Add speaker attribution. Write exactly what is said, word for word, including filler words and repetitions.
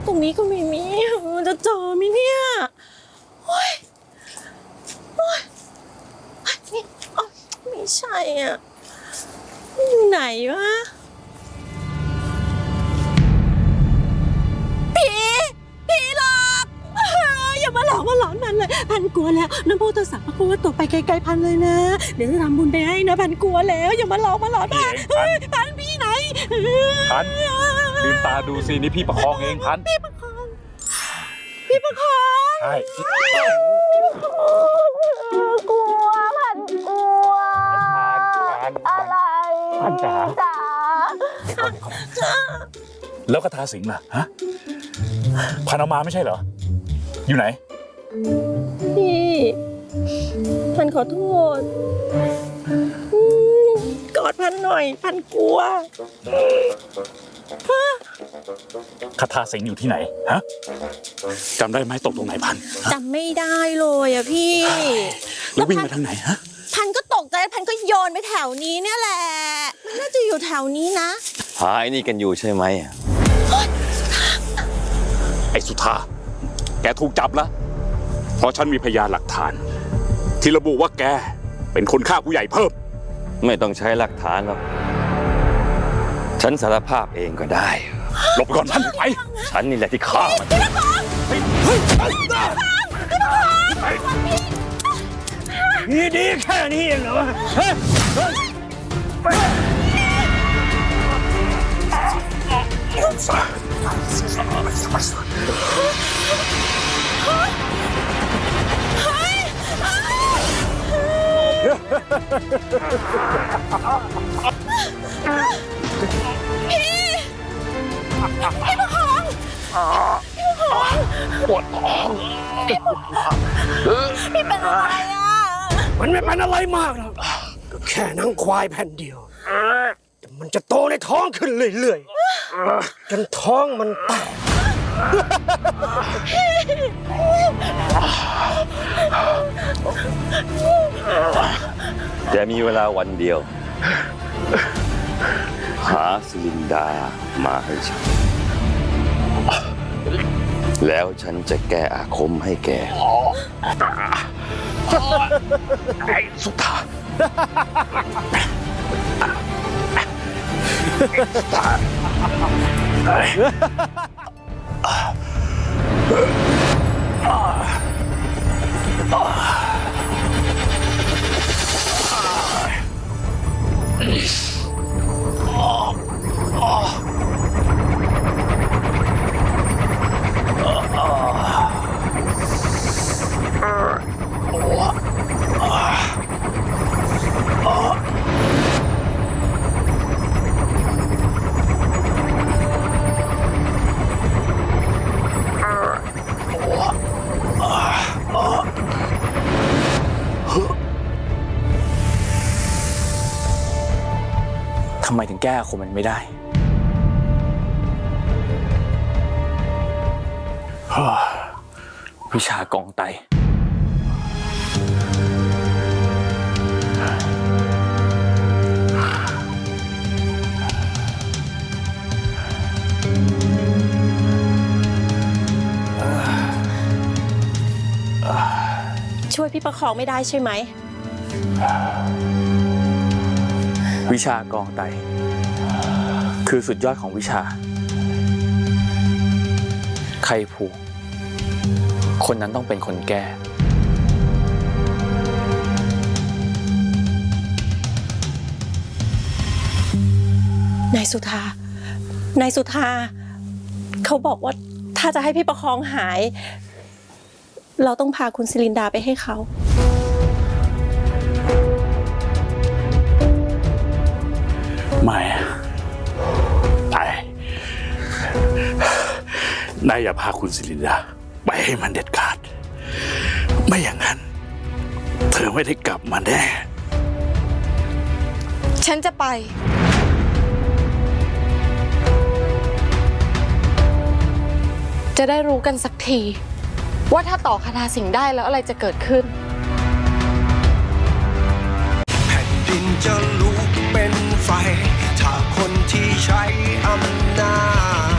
Speaker 1: ตรงนี้ก็ไม่มีมันจะเจอไหมเนี่ยโอ๊ยโอ๊ยนี่อ๋อไม่ใช่อ่ะอยู่ไหนวะผีผีหลอกอย่ามาหลอกมาหลอนมันเลยพันกลัวแล้วน้ำพุตัวสักพระกูว่าตกไปไกลๆพันเลยนะเดี๋ยวจะทำบุญไปให้นะพันกลัวแล้วอย่ามาหลอกมาหลอนพันพันพี่ไหน
Speaker 2: พันลืมตาดูสินี่พี่ประคองเองพัน
Speaker 1: พี่ประคองพี่ประคอง
Speaker 2: ใช่
Speaker 1: กลัวพันกลัวอะไร
Speaker 2: พันจ๋า
Speaker 1: จ๋า
Speaker 2: แล้วคาถาสิงห์ล่ะฮะพันเอามาไม่ใช่เหรออยู่ไหน
Speaker 1: พี่พันขอโทษกอดพันหน่อยพันกลัว
Speaker 2: คาถาสิงห์อยู่ที่ไหนฮะจำได้ไหมตกตรงไหนพัน
Speaker 1: จำไม่ได้เลยอะพี่
Speaker 2: แล้ววิ่งมาทางไหนฮะ
Speaker 1: พันก็ตกใจพันก็โยนไปแถวนี้เนี่ยแหละมันน่าจะอยู่แถวนี้นะ
Speaker 3: หาไอ้นี่กันอยู่ใช่ไหม
Speaker 2: ไอ้สุธาแกถูกจับแล้วเพราะฉันมีพยานหลักฐานที่ระบุว่าแกเป็นคนฆ่าผู้ใหญ่เพิ่ม
Speaker 3: ไม่ต้องใช้หลักฐานหรอกฉันสารภาพเองก็ได้
Speaker 2: หลบก่อนพันไป
Speaker 3: ฉันนี่แหละที่ฆ่ามัน
Speaker 4: นี่ดีแค่นี้เองเหรอ
Speaker 1: พี่ประคองพี่ประคอง
Speaker 2: ปวดท้อง
Speaker 1: พี่เป็นอะไรอ่ะ
Speaker 4: มันไม่เป็นอะไรมากหรอกก็แค่นังควายแผ่นเดียวแต่มันจะโตในท้องขึ้นเรื่อยๆจนท้องมันแตก
Speaker 3: แต่มีเวลาวันเดียวหาสิลินดามาให้ฉันแล้วฉันจะแก้อาคมให้แก
Speaker 2: ไอ้สุธาสุธา
Speaker 5: ทำไมถึงแก้อาคมมันไม่ได้วิชากองไต
Speaker 1: ช่วยพี่ประคองไม่ได้ใช่ไหม
Speaker 5: วิชากองไตคือสุดยอดของวิชาใครผูกคนนั้นต้องเป็นคนแก้
Speaker 1: นายสุธานายสุธาเขาบอกว่าถ้าจะให้พี่ประคองหายเราต้องพาคุณศิลินดาไปให้เขา
Speaker 2: ไม่ไปนายอย่าพาคุณศิลินดาไปให้มันเด็ดขาดไม่อย่างนั้นเธอไม่ได้กลับมาแน่
Speaker 6: ฉันจะไปจะได้รู้กันสักทีว่าถ้าต่อคาถาสิงห์ได้แล้วอะไรจะเกิดขึ้น
Speaker 7: แผ่นดินจะลุกเป็นไฟถ้าคนที่ใช้อำนาจ